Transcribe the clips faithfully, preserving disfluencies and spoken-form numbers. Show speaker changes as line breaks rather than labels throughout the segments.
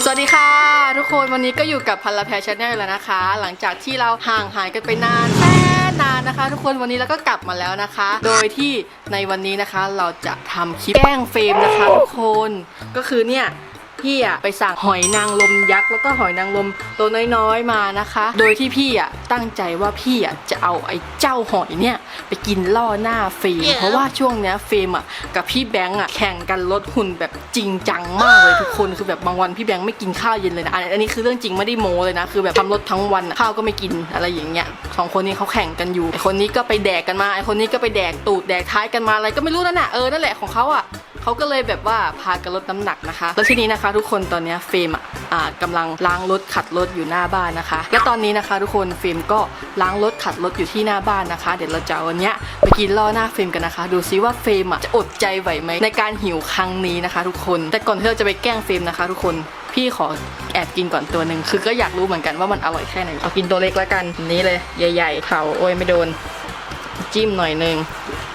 สวัสดีค่ะทุกคนวันนี้ก็อยู่กับพันละแพรชาแนลแล้วนะคะหลังจากที่เราห่างหายกันไปนานแสนนานนะคะทุกคนวันนี้เราก็กลับมาแล้วนะคะ โดยที่ในวันนี้นะคะเราจะทำคลิปแกล้งเฟรมนะคะทุกคนก็คือเนี่ยพี่อะไปสั่งหอยนางรมยักษ์แล้วก็หอยนางรมตัวน้อยๆมานะคะ โดยที่พี่อะตั้งใจว่าพี่อะจะเอาไอ้เจ้าหอยเนี่ยไปกินล่อหน้าเฟรม yeah. เพราะว่าช่วงเนี้ยเฟรมอะกับพี่แบงค์อะแข่งกันลดหุ่นแบบจริงจังมากเลยทุกคนคือแบบบางวันพี่แบงค์ไม่กินข้าวเย็นเลยนะอันนี้คือเรื่องจริงไม่ได้โม้เลยนะคือแบบทำลดทั้งวันข้าวก็ไม่กินอะไรอย่างเงี้ยสองคนนี้เขาแข่งกันอยู่ไอคนนี้ก็ไปแดกกันมาไอคนนี้ก็ไปแดกตูดแดกท้ายกันมาอะไรก็ไม่รู้นั่นแหละเออนั่นแหละของเขาอะเขาก็เลยแบบว่าพากันลดน้ำหนักนะคะแล้วทีนี้นะคะทุกคนตอนนี้เฟรมอ่ะอ่ากำลังล้างรถขัดรถอยู่หน้าบ้านนะคะและตอนนี้นะคะทุกคนเฟรมก็ล้างรถขัดรถอยู่ที่หน้าบ้านนะคะเดี๋ยวเราจะเอาวันเนี้ยไปกินล่อหน้าเฟรมกันนะคะดูซิว่าเฟรมอ่ะจะอดใจไหวไหมในการหิวครั้งนี้นะคะทุกคนแต่ก่อนที่เราจะไปแกล้งเฟรมนะคะทุกคนพี่ขอแอบกินก่อนตัวหนึ่งคือก็อยากรู้เหมือนกันว่ามันอร่อยแค่ไหนเอากินตัวเล็กแล้วกันนี้เลยใหญ่ๆเผาโอ้ยไม่โดนจิ้มหน่อยนึง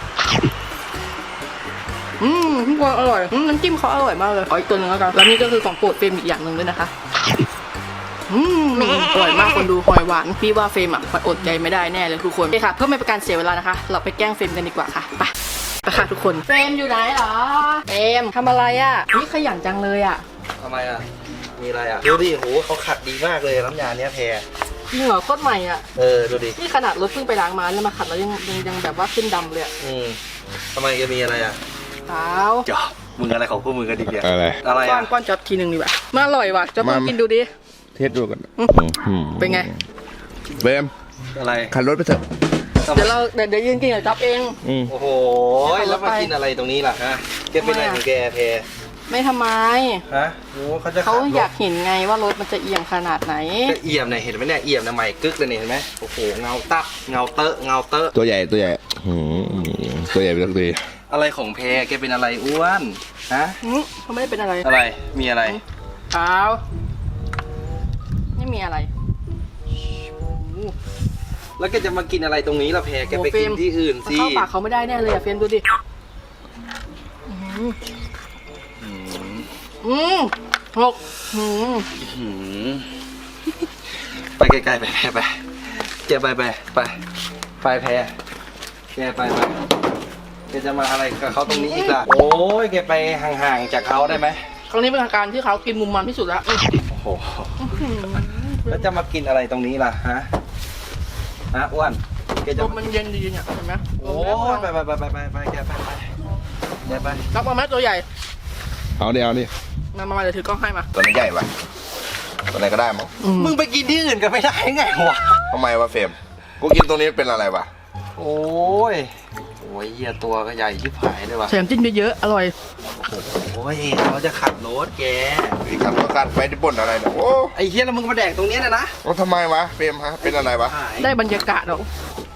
อืมทุกคนอร่อยน้ำจิ้มเขาอร่อยมากเลยขออีกตัวหนึ่งแล้วกันแล้วนี่ก็คือของโปรดเฟรมอีกอย่างหนึ่งด้วยนะคะอืมอร่อยมากคนดูหอยหวานพี่ว่าเฟรมอ่ะอดใจไม่ได้แน่เลยทุกคนโอเคค่ะเพื่อไม่เป็นการเสียเวลานะคะเราไปแกล้งเฟรมกันดีกว่าค่ะไปไปค่ะทุกคนเฟรมอยู่ไหนเหรอเฟรมทำอะไรอ่ะนี่ขยันจังเลยอ่ะ
ทำไมอ่ะมีอะไรอ่ะดูดิโหเขาขัดดีมากเลยน้ำยาเนี้ยแพร
จริงเหรอโคตรใหม่อ่ะ
เออดูดิ
นี่ขนาดรถเพิ่งไปล้างมาแล้วมาขัดแล้วยังยังยังแบบว่าขึ้นดำเลย
อืมทำไมจะมีอะไรอ่ะ
เปล่า
จอบมึงอะไรของพวกมึงกันดิเดีย
อะไร
อะไร
ก้อนก้อนจอบทีหนึ่งดีกว่ามาอร่อยว่ะจอบมากินดูดิ
เทสดูกัน
เป็นไง
เบม
อะไร
ขับรถไปเถอะ
เดี๋ยวเราเดี๋ยวเดี๋ยวยืนกินกับจ๊อบเอง
โอ้โหแล้วมากินอะไรตรงนี้ล่ะฮะแกเป็นอะไรของแกแพร
ไม่ทำไม
ฮะโอ้เขาจะ
เขาอยากเห็นไงว่ารถมันจะเอียงขนาดไหน
จะเอี่ยมเนี่ยเห็นไหมเนี่ยเอี่ยมนะใหม่กึกเลยเนี่ยเห็นไหมโอ้โหเงาตับเงาเตอะเงาเตอะ
ตัวใหญ่ตัวใหญ่ตัวใหญ่ไปทั้งที
อะไรของแพรแกเป็นอะไรอ้วนฮะ
เขาไม่ได้เป็นอะไร
อะไรมีอะไร
เปล่าไม่มีอะไร
แล้วแกจะมากินอะไรตรงนี้ล่ะแพรแกไปกินที่อื่นสิ
เข้าปากเขาไม่ได้แน่เลยอะเฟรมดูดิอืมหก
ไปไกลๆไปแพรไปแกไปไปไปไปแพรแกไปไปแกจะมาอะไรกับเขาตรงนี้อีกล่ะโอ้ยแกไปห่างๆจากเขาได้ไหม
ครั้งนี้เป็นการที่เขากินมุมมันที่สุดแล้ว
โอ้โหแล้วจะมากินอะไรตรงนี้ล่ะฮะฮะอ้วนแกจะ
มันเย็นดีเนี่ยเห็นไหม
โอ้ยไปไปไปไปไปไปแกไปไปแกไป
รับมาไหมตัวใหญ่
เอาเดี๋ยวเอาดิ
มามาเดี๋ยวถือกล้องให้มา
ตัวนี้ใหญ่ปะตัวไหนก็ได้มั้ง
มึงไปกินที่อื่นกันไม่ได้ไงวะ
ทำไมวะเฟรมกูกินตรงนี้เป็นอะไรวะ
โอ้ยโอ้ยเหี้ยตัวก็ใหญ่ชิบหายเลยว่ะ
แถมจิ้มเยอะๆอร่อย
โอ้ยเขาจะขับรถแก
ขับรถการไปที่บ่นอะไรเนี่ยโอ้
ไอ้เหี้ยแล้วมึงมาแดกตรงนี้นะนะ
ว่าทำไมวะเฟรมฮะเป็นอะไรวะ
ได้บรรยากาศหรอ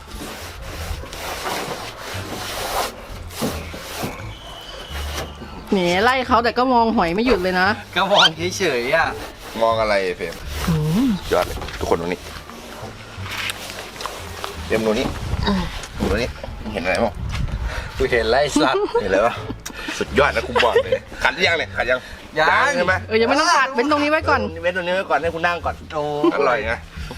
แหมไล่เขาแต่ก็มองหอยไม่หยุดเลยนะ
ก็มองเฉยๆอ่ะ
มองอะไรเฟรมยอดเลยทุกคนตรงนี้เฟรมตรงนี้ตรงนี้เห็นอะไรมั้ง
กูเห็นไล่สัตว์
เห็นเลยปะสุดยอดนะคุณบอกเลยขัดยังเลยขัดยัง
ยัง
ใช่ไหม
เออยังไม่ต้องขัดเว้นตรงนี้ไว้ก่อน
เว้นตรงนี้ไว้ก่อนให้คุณนั่งก่อน
โอ้
อร่อยไง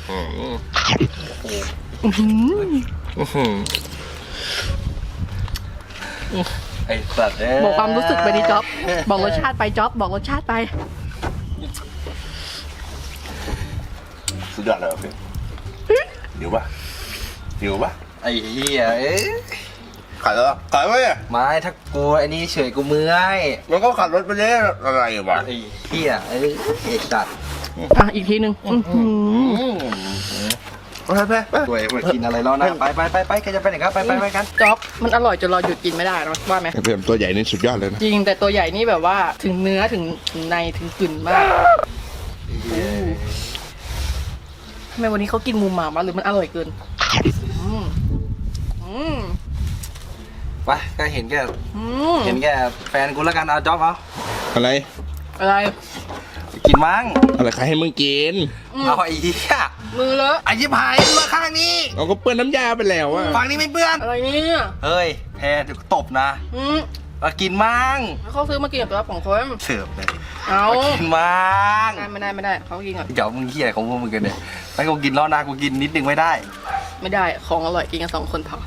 ไอ้สัตว์
บอกความรู้สึกไปดิจ๊อบบอกรสชาติไปจ๊อบบอกรสชาติไป
สุดยอดเลยพี่หิวปะหิวปะ
ไอ้เหี้ยเอ๊ะ
ขัดเหรอขัดไหม
ไม่ถ้ากูไอ้นี่เฉยกูเมื่อย
มันก็ขัดรถไปเลยอะไรวะ
ไอ้เหี้ยไอ้ไอ้สัตว์
อ่ะอีกทีหนึ่ง
ไปไปตัวเองมากินอะไรแล้วนะไปไปไปไปแกจะไปไหนครับไปไปไปกัน
จ๊อบมันอร่อยจนเราหยุดกินไม่ได้นะว่าไหม
เพื่อนตัวใหญ่นี่สุดยอดเลยนะ
จริงแต่ตัวใหญ่นี่แบบว่าถึงเนื้อถึงถึงในถึงกลิ่นมากทำไมวันนี้เขากินมุมหมามาหรือมันอร่อยเกินอืมอืม
ไปก็เห็นแกเห็นแกแฟนกูแล้วกันเอาจ๊อบเอา
อะไร
อะไร
กินมั้ง
อะไรใครให้มึงกิน
เอาไอ้เหี้ย
มือเลอะ
ไอ้ชิบหายมาข้างนี้
เอาก็เปื้อนน้ำยาไปแล้วอะ
ฝั่งนี้ไม่เปื้อน
อะไรเนี่ย
เฮ้ยแพรเดี๋ยวตบนะ
อืม
กินมั้ง
เขาซื้อมากินกับตัวของคน
เสิร์ฟเลย
เอา
กินบ้าง
ไม่ได้ไม่ได้เขากินก่อน
เดี๋ยวมึงขี้อะไรของพวกมึงกันเนี่ยไม่กูกินล้อหน้ากูกินนิดนึงไม่ได้
ไม่ได้ของอร่อยกินกันสองคนพอ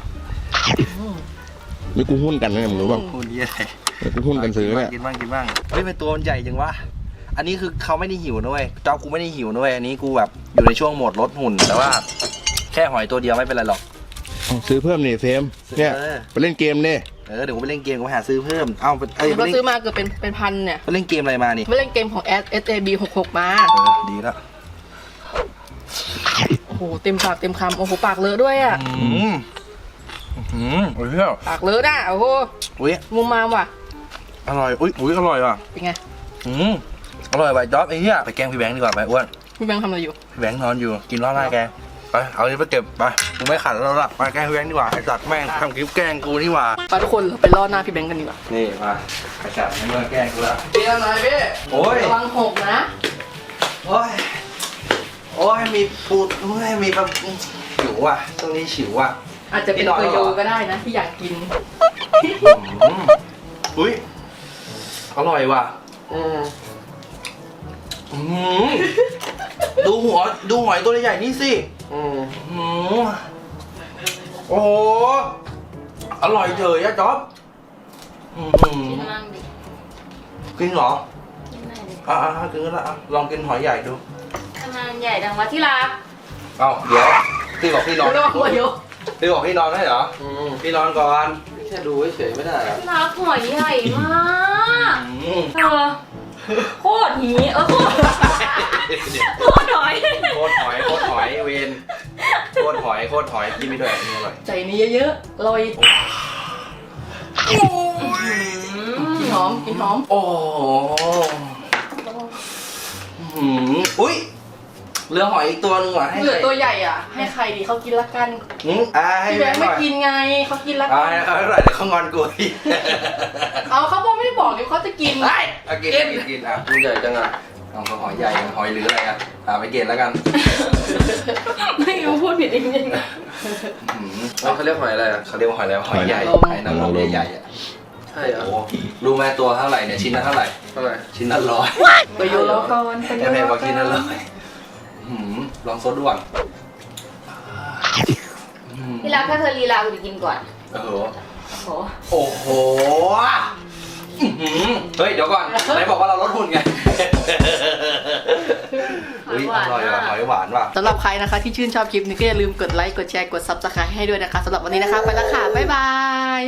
นี่กูหุ้นกันนะมึงรู้ป่ะ
คุณนี่อะไร
กูหุ้นกันซื้อเนี่ย
กินบ้างกินบ้างเฮ้ยเป็นตัวมันใหญ่จังวะอันนี้คือเขาไม่ได้หิวด้วยเจ้ากูไม่ได้หิวด้วยอันนี้กูแบบอยู่ในช่วงโหมดลดหุ่นแต่ว่าแค่หอยตัวเดียวไม่เป็นไรหรอก
เอาซื้อเพิ่มนี่เฟรมเนี่ย
เออ
ไปเล่นเกมเนี่ย
เออเดี๋ยวกูไปเล่นเกมกูไปหาซื้อเพิ่มเอ้าไปเอ้ยไป
เขา
เล่น
ซื้อมาเกือบเป็นเป็นพันเนี่ย
ไปเล่นเกมอะไรมานี่
ไม่เล่นเกมของ S S A B หกหกมา
เออดีแล้ว
โอ้โหเต็มปากเต็มคำโอ้โหปากเลอะด้วยอ่ะ
อืมอืมโอ้ยเหี้ย
ปากเลอะน่ะโอ้โห
อุ้ย
มุมมามว่ะ
อร่อยอุ้ยอุ้ยอร่อยว่ะ
เป็นไง
อืมอร่อยไปจ๊อบไอ้เหี้ยไปแกล้งพี่แบงค์ดีกว่าไปอ้วน
พี่แบงค์ทำอะไรอยู่
พี่แบงค์นอนอยู่กินล้อหน้าแกไปเอาอันนี้ไปเก็บไปกูไม่ขัดแล้วล่ะไปแกล้งพี่แบงค์ดีกว่าไอ้สัตว์แม่งทำคลิปแกล้งกูนี่หว่า
ไปทุกคนเราไปล่อหน้าพี่แบงค์กันดีกว่า
นี่มาไอ้สัตว์ไม่มาแกล้งกูละ
พี่ทำอะไรพี่
โอ้ย
ระวังหกนะ
โอ้ยโอ้ยมีปูดโอ้ยมีแบบหิวว่ะตรงนี้ฉิวว่ะ
อาจจะเป็น
พี่นอน
เก
แล้ว
โย
เหรอ
ก็ได้นะที่อยากกิน
อืมอุ้ยอร่อยว่ะ
อืม
อืมดูหัวดูหอยตัวใหญ่ๆนี่สิ
อืม
อืมโอ้โหอร่อยเฉยอะจ๊อบอืม
กินมั่งดิ
กินเหรอ
กินหน่อยดิ
อ่ะๆกินก็ได้อ่ะลองกินหอยใหญ่ดู
ทำไมมันใหญ่ดังวะที่รัก
เอ้าเดี๋ยวพี่บอกพี่นอน
ระวังหัวโย
พี่บอกพี่นอนได้เหรอพี่นอนก่อนแค่ดูเฉยๆไม่ได้เหรอ
ที่รักหอยใหญ่มาก
อืม
เออโคตรหีเออโคตรโคตรหอย
โคตรหอยโคตรหอยเวนโคตรหอยโคตรหอยกินไม่ด้วยนี่อร่อย
ใจนี้เยอะๆลอยกินหอมกินหอม
โอ้โหอืมอุ้ยเหลือหอยอีกตัวหนึงว่ะให้
เหลือ
ใคร
ตัวใหญ่อ่ะ ให้ใครดีเขากินละกัน
อืมอ่าให้
พี่แบงค์
ห
ไม่
น่อย
กินไงเขากินละ
อ่า
กัน
เอาให้หน่อยเดี๋ยวเขางอนกูอีก
เอาเขาบอกไม่ได้บอกเดี๋ยวเขาจะกิน
ไอ้เอากินกินกินอ่ะมึงใหญ่จังอ่ะเอาหอยใหญ่หอยหรืออะไรอ่ะอ่าไปเกณฑ์แล้วกัน
ไม่รู้พูดผิดจริง
อืมเขาเรียกหอยอะไรอ่ะเขาเรียกว่าหอยอะไรวะหอยใหญ่
หอยนางรม
หอยนางรมใหญ่ๆอ่ะ
ใช่เหรอ
โอ้โหรู้ไหมตัวเท่าไหร่เนี่ยชิ้นละเท่าไหร่
เท่าไหร่
ชิ้นละร้อย
ๆไปโยนแล้วก่อนไปโย
แค่
น
แพ
แล้
ง
ว
ก
ก่อ
ว่าชิ้นละร้อน ยหืมลองซดดูก่อนอืม
ที่รักถ้าเธอลีลากูจะกินก่อน
โอ้โห
โอ้โห
โอ้โหอื้อหือเฮ้ย เดี๋ยวก่อนไหนบอกว่าเราลดหุ่นไง
หอยหวาน
อร่อยว่ะ
มาก
หอยหวานว่ะ
สำหรับใครนะคะที่ชื่นชอบคลิปนี้ก็อย่าลืมกดไลค์กดแชร์กด ซับสไครบ์ ให้ด้วยนะคะสำหรับวันนี้นะคะไปแล้วค่ะบ๊ายบาย